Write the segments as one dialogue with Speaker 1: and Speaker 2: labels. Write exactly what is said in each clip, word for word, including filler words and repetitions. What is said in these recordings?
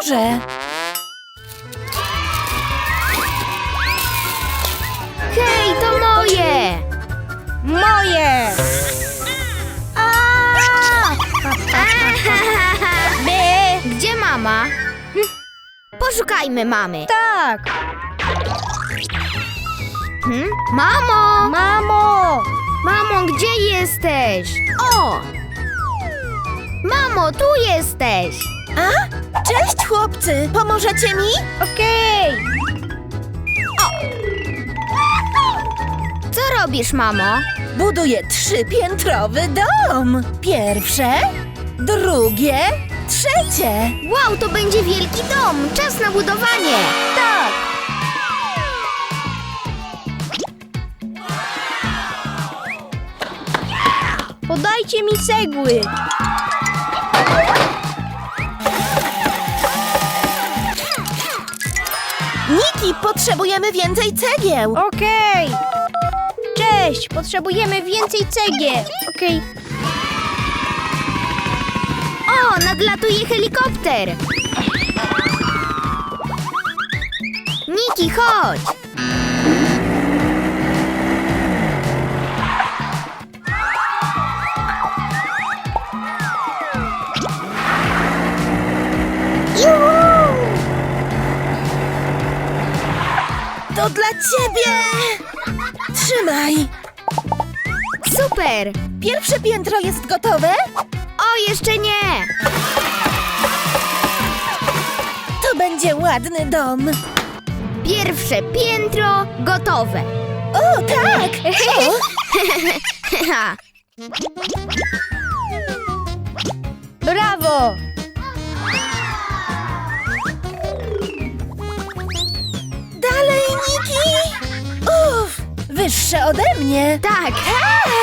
Speaker 1: może.
Speaker 2: Hej, to moje!
Speaker 3: Moje! By!
Speaker 2: Gdzie mama? Hm. Poszukajmy mamy.
Speaker 3: Tak!
Speaker 2: Hm? Mamo!
Speaker 3: Mamo!
Speaker 2: Mamo, gdzie jesteś? O! Mamo, tu jesteś!
Speaker 1: A? Cześć, chłopcy! Pomożecie mi?
Speaker 3: Okej!
Speaker 2: Co robisz, mamo?
Speaker 1: Buduję trzypiętrowy dom. Pierwsze, drugie, trzecie.
Speaker 2: Wow, to będzie wielki dom! Czas na budowanie!
Speaker 3: Tak! Podajcie mi cegły!
Speaker 1: Niki, potrzebujemy więcej cegieł.
Speaker 3: Okej! Cześć! Potrzebujemy więcej cegieł! Okej.
Speaker 2: O, nadlatuje helikopter! Niki, chodź!
Speaker 1: To dla ciebie. Trzymaj.
Speaker 2: Super!
Speaker 1: Pierwsze piętro jest gotowe?
Speaker 2: O, jeszcze nie!
Speaker 1: To będzie ładny dom.
Speaker 2: Pierwsze piętro gotowe!
Speaker 1: O, tak! O,
Speaker 2: Ha.
Speaker 3: Brawo!
Speaker 1: dalej, Niki! Uff, wyższe ode mnie.
Speaker 2: Tak!
Speaker 1: Tak!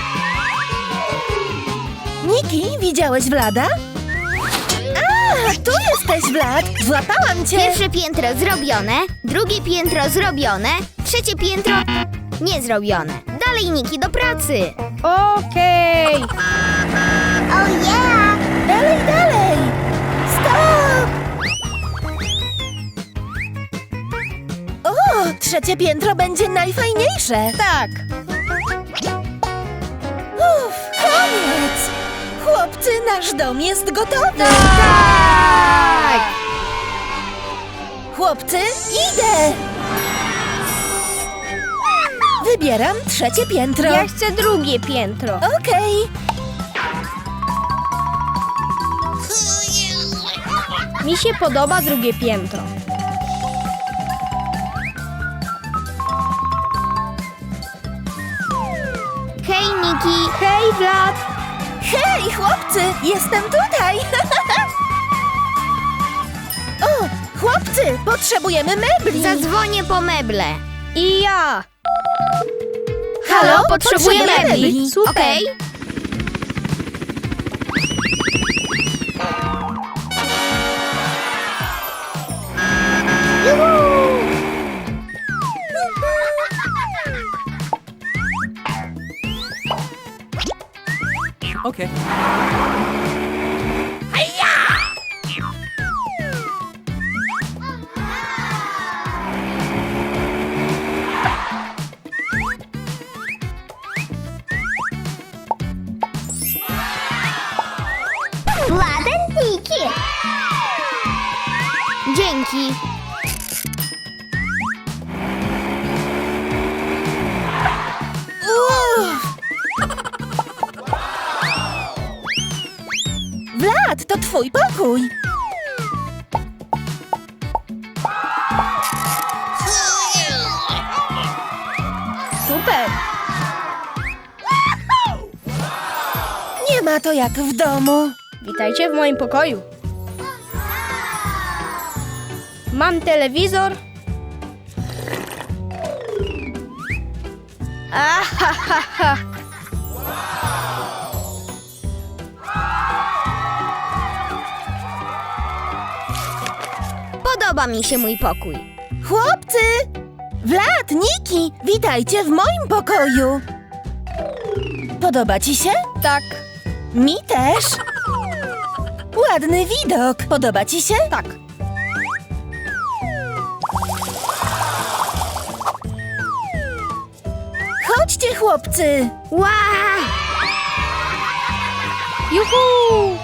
Speaker 1: Niki, widziałeś Vlada? A, tu jesteś, Vlad. Złapałam cię.
Speaker 2: Pierwsze piętro zrobione, drugie piętro zrobione, trzecie piętro nie zrobione. Dalej, Niki, do pracy!
Speaker 3: Okej!
Speaker 2: Oh yeah!
Speaker 1: Dalej, dalej. Stop! O, trzecie piętro będzie najfajniejsze.
Speaker 3: Tak!
Speaker 1: Uff, koniec. Chłopcy, nasz dom jest gotowy.
Speaker 2: Tak!
Speaker 1: Chłopcy, idę. Wybieram trzecie piętro.
Speaker 3: Ja chcę drugie piętro.
Speaker 1: Okej.
Speaker 3: Mi się podoba drugie piętro.
Speaker 2: Hej, Niki!
Speaker 3: Hej, Vlad!
Speaker 1: Hej, chłopcy, jestem tutaj. O, chłopcy, potrzebujemy mebli.
Speaker 2: Zadzwonię po meble.
Speaker 3: I ja!
Speaker 1: Halo,
Speaker 2: potrzebuję
Speaker 1: potrzebujemy
Speaker 2: mebli.
Speaker 1: mebli.
Speaker 3: Super.
Speaker 2: Okej?
Speaker 4: Okay.
Speaker 2: Ładenniki! Dzięki!
Speaker 1: Uff. Vlad, to twój pokój.
Speaker 3: Super!
Speaker 1: Nie ma to jak w domu.
Speaker 3: Witajcie w moim pokoju. Mam telewizor. Ahahaha.
Speaker 2: Podoba mi się mój pokój.
Speaker 1: Chłopcy! Vlad, Niki, witajcie w moim pokoju. Podoba ci się?
Speaker 3: Tak,
Speaker 1: Mi też. Ładny widok. Podoba ci się?
Speaker 3: tak.
Speaker 1: chłopcy!
Speaker 2: Ła!
Speaker 3: Juhu!